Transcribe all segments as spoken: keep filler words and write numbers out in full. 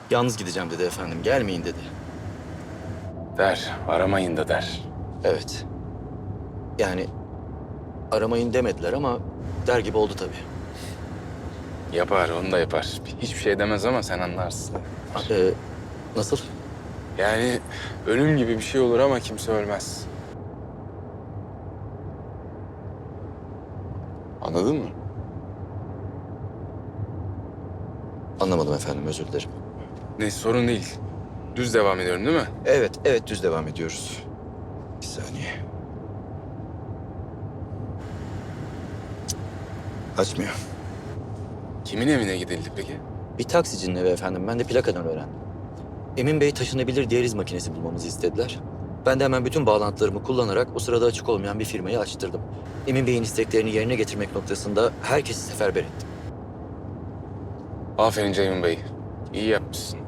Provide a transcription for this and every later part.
Yalnız gideceğim dedi efendim. Gelmeyin dedi. Der, aramayın da der. Evet. Yani aramayın demediler ama der gibi oldu tabii. Yapar, onu da yapar. Hiçbir şey demez ama sen anlarsın. Ee, nasıl? Yani ölüm gibi bir şey olur ama kimse ölmez. Anladın mı? Anlamadım efendim, özür dilerim. Neyse, sorun değil. Düz devam ediyorum değil mi? Evet, evet düz devam ediyoruz. Bir saniye. Cık, Açmıyor. Kimin evine gidildi peki? Bir taksicinin evi efendim. Ben de plakadan öğrendim. Emin Bey taşınabilir diyaliz makinesi bulmamızı istediler. Ben de hemen bütün bağlantılarımı kullanarak o sırada açık olmayan bir firmayı açtırdım. Emin Bey'in isteklerini yerine getirmek noktasında herkesi seferber ettim. Aferin Ceyhun Bey. İyi yapmışsın.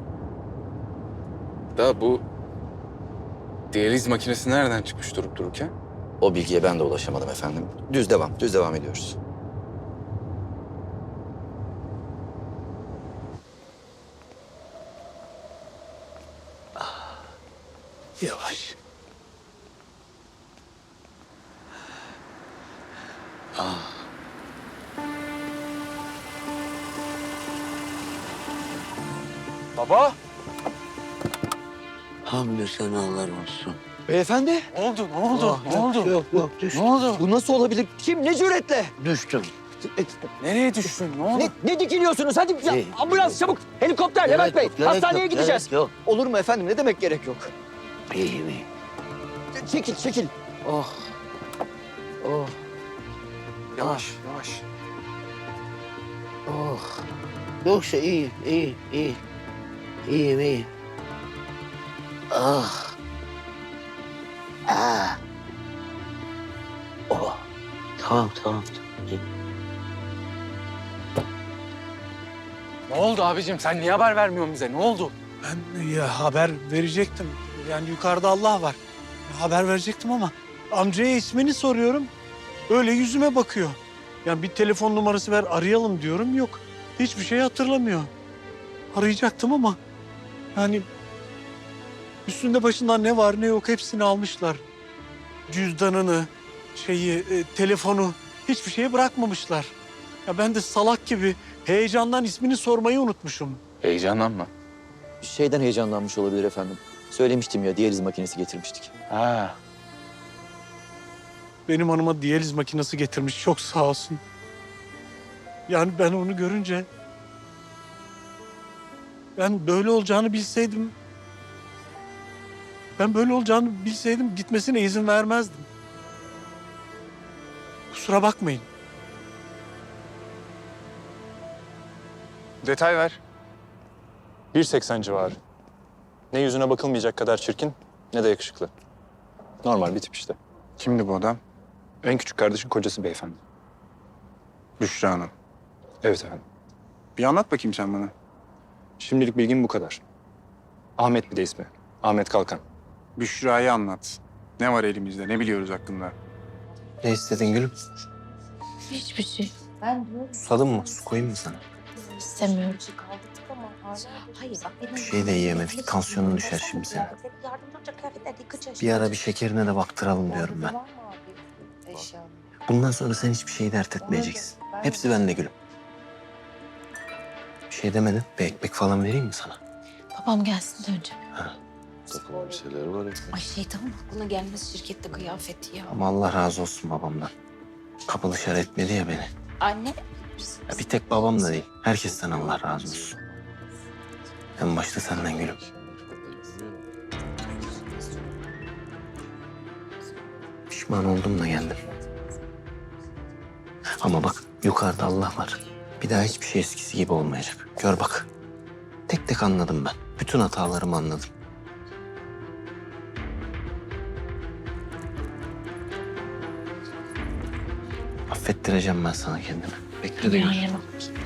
Da bu diyaliz makinesi nereden çıkmış durup dururken? O bilgiye ben de ulaşamadım efendim. Düz devam, düz devam ediyoruz. Yavaş. Baba! Hamdü senalar olsun. Beyefendi, Ne oldu? Ne oldu? Ah, yok, Yok yok düştüm. Ne oldu? bu nasıl olabilir? Kim, ne cüretle? Düştüm. Nereye düştün? Ne oldu? Ne, ne dikiliyorsunuz? Hadi ya, Şey, ambulans çabuk. Helikopter Gerek Levent Bey. yok, gerek Hastaneye yok, gideceğiz. gerek yok. Olur mu efendim? Ne demek gerek yok? İyiyim iyiyim. Çekil, çekil. Oh. Oh. Yavaş, yavaş. Oh. Yoksa iyi, iyi, iyi. İyiyim, iyiyim. Ah. Ah. Oh. Tamam, tamam. İyi. Ne oldu abicim? Sen niye haber vermiyorsun bize? Ne oldu? Ben ya haber verecektim. Yani yukarıda Allah var. Haber verecektim ama amcaya ismini soruyorum. Öyle yüzüme bakıyor. Yani bir telefon numarası ver arayalım diyorum. Yok. Hiçbir şey hatırlamıyor. Arayacaktım ama yani üstünde başından ne var ne yok hepsini almışlar. Cüzdanını, şeyi, e, telefonu hiçbir şeye bırakmamışlar. Ya ben de salak gibi heyecandan ismini sormayı unutmuşum. Heyecanlanma. Şeyden heyecanlanmış olabilir efendim. Söylemiştim ya, diyaliz makinesi getirmiştik. Ha. Benim hanıma diyaliz makinesi getirmiş. Çok sağ olsun. Yani ben onu görünce... Ben böyle olacağını bilseydim... Ben böyle olacağını bilseydim gitmesine izin vermezdim. Kusura bakmayın. Detay ver. bir seksen civarı. Ne yüzüne bakılmayacak kadar çirkin ne de yakışıklı. Normal bir tip işte. Kimdi bu adam? En küçük kardeşin kocası beyefendi. Büşra Hanım. Evet efendim. Bir anlat bakayım sen bana. Şimdilik bilgim bu kadar. Ahmet bir de ismi. Ahmet Kalkan. Büşra'yı anlat. Ne var elimizde, ne biliyoruz hakkında? Ne istedin gülüm? Hiçbir şey. Ben diyorum Susadın mı? Su koyayım mı sana? istemiyorum. Hayır bak benim... Bir şey de yiyemedik. Tansiyonun düşer şimdi senin. Bir ara bir şekerine de baktıralım diyorum ben. Bundan sonra sen hiçbir şeyi dert etmeyeceksin. Hepsi bende gülüm. Bir şey demedin. Bir ekmek falan vereyim mi sana? Babam gelsin de önce. Takılan bir şeyler var ya. Ay şeytanın aklına gelmez şirkette kıyafeti ya. Ama Allah razı olsun babamdan. Kapı dışarı etmedi ya beni. Anne. Ya bir tek babam da değil. Herkesten Allah razı olsun. En başta senden gülüm. Pişman oldum da geldim. Ama bak yukarıda Allah var. Bir daha hiçbir şey eskisi gibi olmayacak. Gör bak. Tek tek anladım ben. Bütün hatalarımı anladım. Affettireceğim ben sana kendimi. Bekle de gör. Dünyaya bak.